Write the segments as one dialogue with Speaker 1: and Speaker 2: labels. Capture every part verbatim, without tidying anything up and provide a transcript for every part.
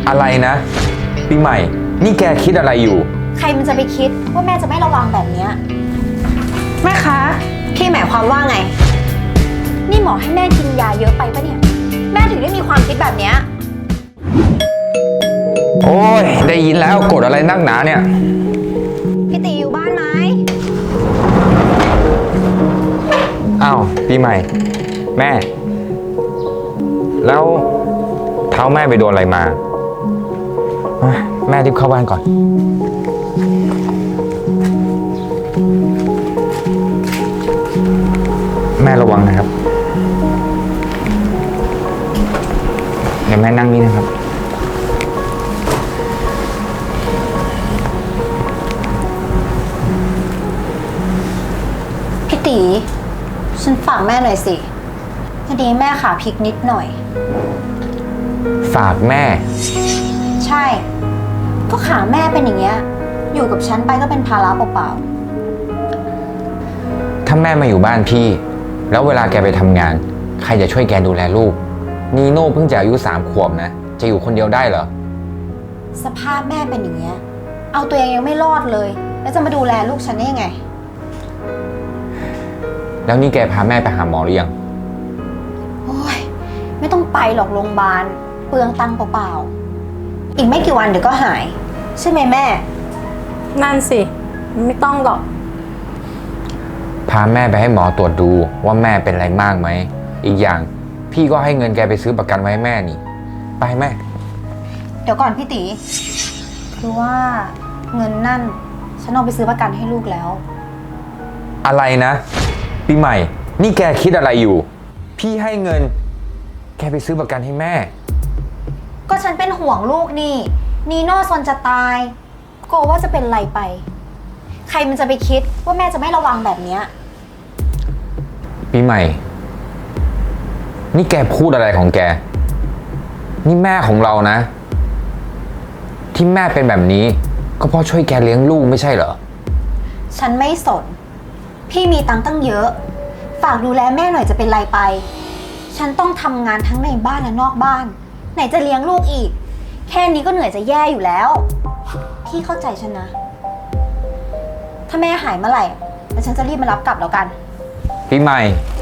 Speaker 1: อะไรนะปีใหม่นี่แกคิดอะไรอยู่
Speaker 2: ใครมันจะไปคิดว่าแม่จะไม่ระวังแบบเนี้ยแม่คะพี่หมายความว่าไงนี่หมอให้แม่กินยาเยอะไปปะเนี่ยแม่ถึงได้มีความคิดแบบเนี้ย
Speaker 1: โอ้ยได้ยินแล้วกดอะไรนักหนาเนี่ย
Speaker 2: พี่ตีอยู่บ้านไหม
Speaker 1: อ้าวปีใหม่แม่แล้วเท้าแม่ไปโดนอะไรมาแม่รีบเข้าบ้านก่อนแม่ระวังนะครับเดี๋ยวแม่นั่งนี่นะครับ
Speaker 2: พี่ตีฉันฝากแม่หน่อยสิพอดีแม่ขาพลิกนิดหน่อย
Speaker 1: ฝากแม่
Speaker 2: ใช่ก็ขาแม่เป็นอย่างเงี้ยอยู่กับฉันไปก็เป็นภาระเปล่า
Speaker 1: ๆถ้าแม่มาอยู่บ้านพี่แล้วเวลาแกไปทำงานใครจะช่วยแกดูแลลูกนีโน่เพิ่งจะอายุสามขวบนะจะอยู่คนเดียวได้เหรอ
Speaker 2: สภาพแม่เป็นอย่างเงี้ยเอาตัวเองยังไม่รอดเลยแล้วจะมาดูแลลูกฉันได้ยังไง
Speaker 1: แล้วนี่แกพาแม่ไปหาหมอหรือยัง
Speaker 2: โอ้ยไม่ต้องไปหรอกโรงพยาบาลเปลืองตังค์เปล่าๆอีกไม่กี่วันเดี๋ยวก็หายใช่ไหมแม่
Speaker 3: นั่นสิไม่ต้องหรอก
Speaker 1: พาแม่ไปให้หมอตรวจดูว่าแม่เป็นอะไรมากไหมอีกอย่างพี่ก็ให้เงินแกไปซื้อประกันไว้ให้แม่นี่ไปแม่
Speaker 2: เดี๋ยวก่อนพี่ตีคือว่าเงินนั่นฉันเอาไปซื้อประกันให้ลูกแล้ว
Speaker 1: อะไรนะปีใหม่นี่แกคิดอะไรอยู่พี่ให้เงินแกไปซื้อประกันให้แม่
Speaker 2: ก็ฉันเป็นห่วงลูกนี่นีโน่ซนจะตายกลัวว่าจะเป็นไรไปใครมันจะไปคิดว่าแม่จะไม่ระวังแบบเนี้ย
Speaker 1: ปีใหม่นี่แกพูดอะไรของแกนี่แม่ของเรานะที่แม่เป็นแบบนี้ก็เพราะช่วยแกเลี้ยงลูกไม่ใช่เหรอ
Speaker 2: ฉันไม่สนพี่มีตังค์ตั้งเยอะฝากดูแลแม่หน่อยจะเป็นไรไปฉันต้องทำงานทั้งในบ้านและนอกบ้านไหนจะเลี้ยงลูกอีกแค่นี้ก็เหนื่อยจะแย่อยู่แล้วพี่เข้าใจฉันนะถ้าแม่หายเมื่อไหร่แล้วฉันจะรีบมารับกลับแล้วกัน
Speaker 1: ปีใหม่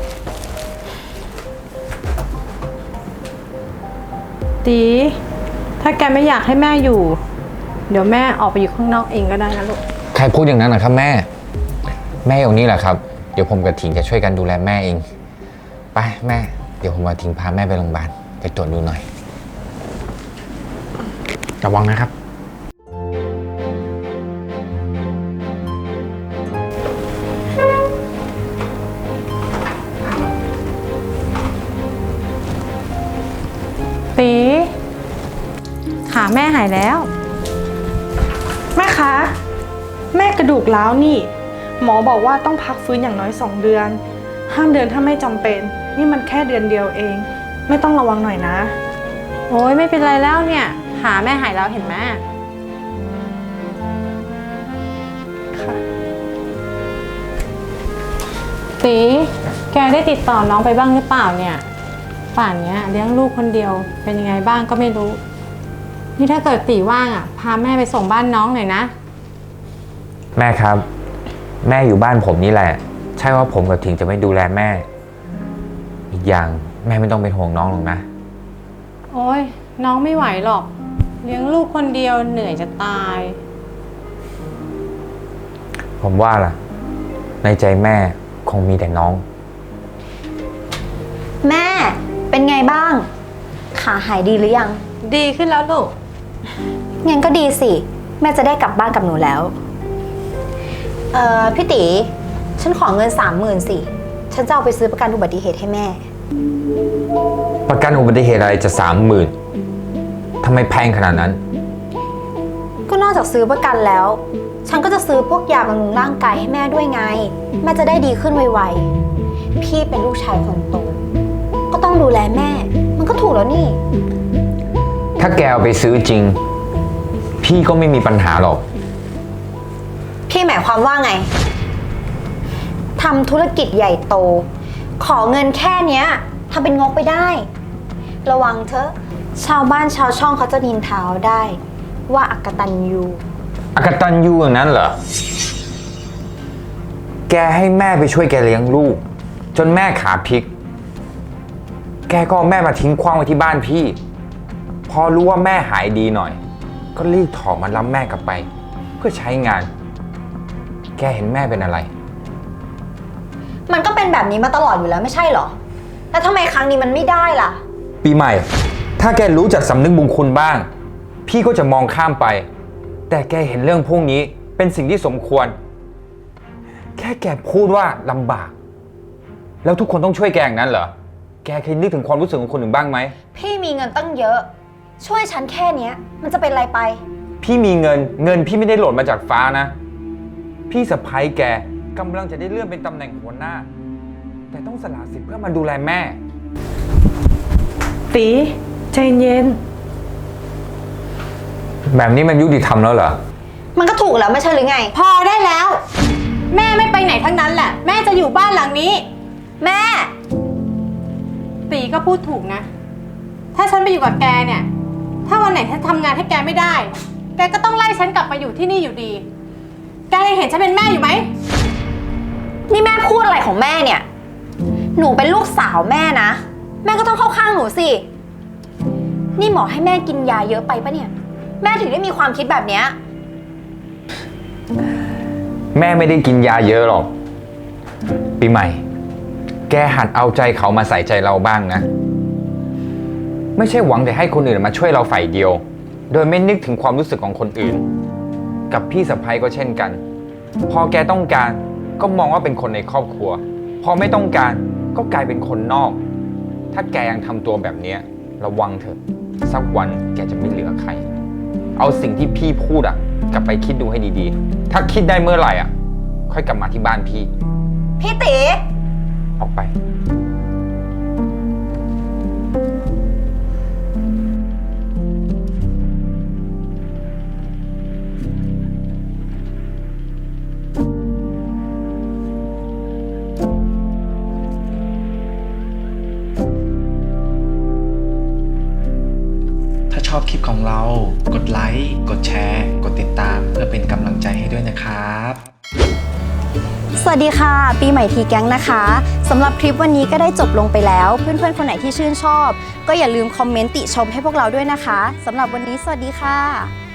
Speaker 3: ตีถ้าแกไม่อยากให้แม่อยู่เดี๋ยวแม่ออกไปอยู่ข้างนอกเองก็ได้นะลูก
Speaker 1: ใครพูดอย่างนั้นนะครับแม่แม่อยู่นี่แหละครับเดี๋ยวผมกับถิงจะช่วยกันดูแลแม่เองไปแม่เดี๋ยวผมมาถิงพาแม่ไปโรงพยาบาลไปตรวจดูหน่อยระวังนะครับ
Speaker 3: ตีขาแม่หายแล้ว
Speaker 4: แม่คะแม่กระดูกร้าวนี่หมอบอกว่าต้องพักฟื้นอย่างน้อยสองเดือนห้ามเดินถ้าไม่จำเป็นนี่มันแค่เดือนเดียวเองไม่ต้องระวังหน่อยนะ
Speaker 3: โอ้ยไม่เป็นไรแล้วเนี่ยขาแม่หายแล้วเห็นไหม
Speaker 4: ค่ะ
Speaker 3: ตีแกได้ติดต่อน้องไปบ้างหรือเปล่าเนี่ยป่านนี้เลี้ยงลูกคนเดียวเป็นยังไงบ้างก็ไม่รู้นี่ถ้าเกิดตีว่างอ่ะพาแม่ไปส่งบ้านน้องหน่อยนะ
Speaker 1: แม่ครับแม่อยู่บ้านผมนี่แหละใช่ว่าผมกับถิงจะไม่ดูแลแม่อีกอย่างแม่ไม่ต้องเป็นห่วงน้องหรอกนะ
Speaker 3: โอ้ยน้องไม่ไหวหรอกเลี้ยงลูกคนเดียวเหนื่อยจะตาย
Speaker 1: ผมว่าล่ะในใจแม่คงมีแต่น้อง
Speaker 2: แม่เป็นไงบ้างขาหายดีหรือยัง
Speaker 3: ดีขึ้นแล้วลูก
Speaker 2: งั้นก็ดีสิแม่จะได้กลับบ้านกับหนูแล้วเอ่อพี่ตีฉันขอเงินสามหมื่นสิฉันจะเอาไปซื้อประกันอุบัติเหตุให้แม่
Speaker 1: ประกันอุบัติเหตุอะไรจะสามหมื่นทำไมแพงขนาดนั้น
Speaker 2: ก็นอกจากซื้อประกันแล้วฉันก็จะซื้อพวกยาบำรุงร่างกายให้แม่ด้วยไงแม่จะได้ดีขึ้นไวๆพี่เป็นลูกชายคนโตก็ต้องดูแลแม่มันก็ถูกแล้วนี่
Speaker 1: ถ้าแกเอาไปซื้อจริงพี่ก็ไม่มีปัญหาหรอก
Speaker 2: พี่หมายความว่าไงทำธุรกิจใหญ่โตขอเงินแค่เนี้ยทำเป็นงกไปได้ระวังเถอะชาวบ้านชาวช่องเขาจะนินทาได้ ว่าอักตันยู
Speaker 1: อกตันยูอย่างนั้นเหรอ แกให้แม่ไปช่วยแกเลี้ยงลูก จนแม่ขาพลิก แกก็เอาแม่มาทิ้งขว้างไว้ที่บ้านพี่ พอรู้ว่าแม่หายดีหน่อย ก็รีบถอมารับแม่กลับไป เพื่อใช้งาน แกเห็นแม่เป็นอะไร
Speaker 2: มันก็เป็นแบบนี้มาตลอดอยู่แล้วไม่ใช่เหรอ แล้วทำไมครั้งนี้มันไม่ได้ล่ะ
Speaker 1: ปีใหม่ ถ้าแกรู้จักสำนึกบุญคุณบ้าง พี่ก็จะมองข้ามไป แต่แกเห็นเรื่องพวกนี้เป็นสิ่งที่สมควร แค่แกพูดว่าลำบาก แล้วทุกคนต้องช่วยแกอย่างนั้นเหรอ แกเคยนึกถึงความรู้สึกของคนอื่นบ้างไหม
Speaker 2: พี่มีเงินตั้งเยอะ ช่วยฉันแค่เนี้ย มันจะเป็นไรไป
Speaker 1: พี่มีเงิน เงินพี่ไม่ได้หล่นมาจากฟ้านะ พี่สะพ้ายแกกำลังจะได้เลื่อนเป็นตำแหน่งหัวหน้า แต่ต้องสละสิทธิ์เพื่อมาดูแลแม่
Speaker 4: ตีใจเย็น
Speaker 1: แบบนี้มันยุติธรรมแล้วเหรอ
Speaker 2: มันก็ถูกแล้วไม่ใช่หรือไง
Speaker 3: พอได้แล้ว แม่ไม่ไปไหนทั้งนั้นแหละ แม่จะอยู่บ้านหลังนี้
Speaker 2: แม่
Speaker 3: ตีก็พูดถูกนะ ถ้าฉันไปอยู่กับแกเนี่ย ถ้าวันไหนฉันทำงานให้แกไม่ได้ แกก็ต้องไล่ฉันกลับมาอยู่ที่นี่อยู่ดี แกยังเห็นฉันเป็นแม่อยู่ไหม
Speaker 2: นี่แม่พูดอะไรของแม่เนี่ย หนูเป็นลูกสาวแม่นะ แม่ก็ต้องเข้าข้างหนูสิ นี่หมอให้แม่กินยาเยอะไปปะเนี่ย แม่ถึงได้มีความคิดแบบเนี้ย
Speaker 1: แม่ไม่ได้กินยาเยอะหรอก ปีใหม่ แกหัดเอาใจเขามาใส่ใจเราบ้างนะ ไม่ใช่หวังแต่ให้คนอื่นมาช่วยเราฝ่ายเดียว โดยไม่นึกถึงความรู้สึกของคนอื่น กับพี่สะใภ้ก็เช่นกัน พอแกต้องการก็มองว่าเป็นคนในครอบครัว พอไม่ต้องการก็กลายเป็นคนนอก ถ้าแกยังทำตัวแบบนี้ระวังเถอะ สักวันแกจะไม่เหลือใคร เอาสิ่งที่พี่พูดอะกลับไปคิดดูให้ดีๆ ถ้าคิดได้เมื่อไหร่อะค่อยกลับมาที่บ้านพี่
Speaker 2: พี่ตี
Speaker 1: ออกไป
Speaker 5: ถ้าชอบคลิปของเรา กดไลค์ กดแชร์ กดติดตามเพื่อเป็นกำลังใจให้ด้วยนะครับ
Speaker 2: สวัสดีค่ะ ปีใหม่ทีแก๊งนะคะสำหรับคลิปวันนี้ก็ได้จบลงไปแล้ว เพื่อนๆคนไหนที่ชื่นชอบ ก็อย่าลืมคอมเมนต์ติชมให้พวกเราด้วยนะคะสำหรับวันนี้สวัสดีค่ะ